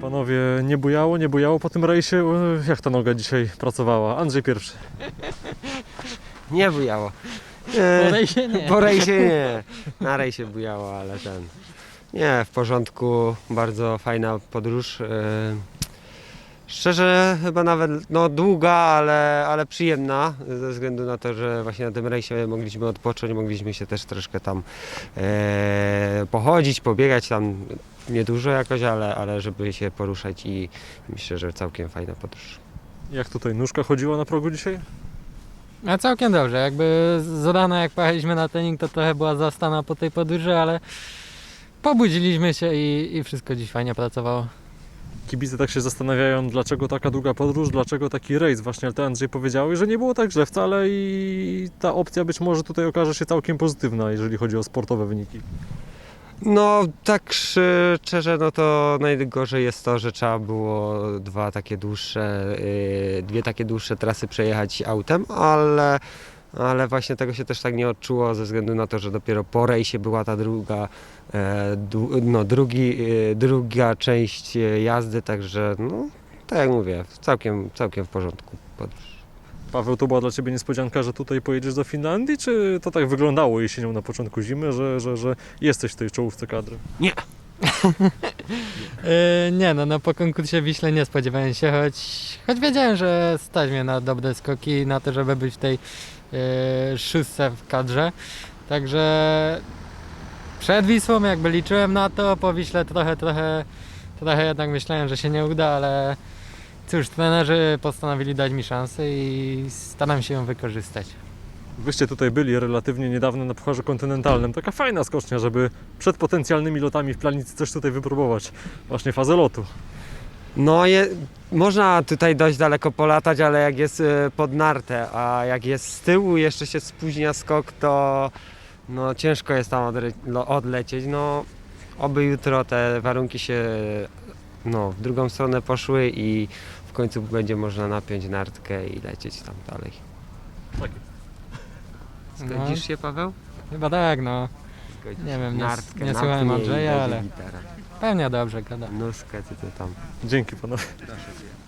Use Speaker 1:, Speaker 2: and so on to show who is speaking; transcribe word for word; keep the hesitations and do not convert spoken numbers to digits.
Speaker 1: Panowie, nie bujało, nie bujało po tym rejsie? E, Jak ta noga dzisiaj pracowała? Andrzej pierwszy.
Speaker 2: Nie bujało.
Speaker 3: Po rejsie nie.
Speaker 2: Po rejsie nie. Na rejsie bujało, ale ten... Nie, w porządku. Bardzo fajna podróż. e, Szczerze chyba nawet no, długa, ale, ale przyjemna, ze względu na to, że właśnie na tym rejsie mogliśmy odpocząć, mogliśmy się też troszkę tam e, pochodzić, pobiegać tam niedużo jakoś, ale, ale żeby się poruszać i myślę, że całkiem fajna podróż.
Speaker 1: Jak tutaj nóżka chodziła na progu dzisiaj?
Speaker 3: A całkiem dobrze, jakby z rana jak pojechaliśmy na trening, to trochę była zastana po tej podróży, ale pobudziliśmy się i, i wszystko dziś fajnie pracowało.
Speaker 1: Kibice tak się zastanawiają, dlaczego taka długa podróż, dlaczego taki rejs. Właśnie, ale ty, Andrzej, powiedziałeś, że nie było tak źle wcale i ta opcja być może tutaj okaże się całkiem pozytywna, jeżeli chodzi o sportowe wyniki.
Speaker 2: No tak szczerze, no to najgorzej jest to, że trzeba było dwa takie dłuższe, yy, dwie takie dłuższe trasy przejechać autem, ale, ale właśnie tego się też tak nie odczuło ze względu na to, że dopiero po rejsie była ta druga, e, du, no, drugi, e, druga część e, jazdy, także no tak jak mówię, całkiem, całkiem w porządku podróż.
Speaker 1: Paweł, to była dla Ciebie niespodzianka, że tutaj pojedziesz do Finlandii, czy to tak wyglądało jesienią na początku zimy, że, że, że jesteś w tej czołówce kadry?
Speaker 3: Yy, nie no, no po konkursie w Wiśle nie spodziewałem się, choć, choć wiedziałem, że stać mnie na dobre skoki, na to, żeby być w tej yy, szóstce w kadrze. Także przed Wisłą jakby liczyłem na to, po Wiśle trochę, trochę, trochę jednak myślałem, że się nie uda, ale cóż, trenerzy postanowili dać mi szansę i staram się ją wykorzystać.
Speaker 1: Wyście tutaj byli relatywnie niedawno na Pucharze Kontynentalnym. Taka fajna skocznia, żeby przed potencjalnymi lotami w planicy coś tutaj wypróbować. Właśnie fazę lotu.
Speaker 2: No je, można tutaj dość daleko polatać, ale jak jest e, pod nartę, a jak jest z tyłu jeszcze się spóźnia skok, to no, ciężko jest tam odre, lo- odlecieć. No, oby jutro te warunki się no, w drugą stronę poszły i w końcu będzie można napiąć nartkę i lecieć tam dalej.
Speaker 1: Tak.
Speaker 2: Zgodzisz się, Paweł?
Speaker 3: Chyba tak, no.
Speaker 2: Zgodzisz.
Speaker 3: Nie wiem, nie,
Speaker 2: Nartkę,
Speaker 3: nie słuchałem
Speaker 2: napnij i
Speaker 3: Andrzeja,
Speaker 2: będzie
Speaker 3: ale
Speaker 2: gitara.
Speaker 3: pewnie dobrze gada.
Speaker 2: Nóżkę, ty to tam.
Speaker 1: Dzięki panowie.
Speaker 2: Proszę cię.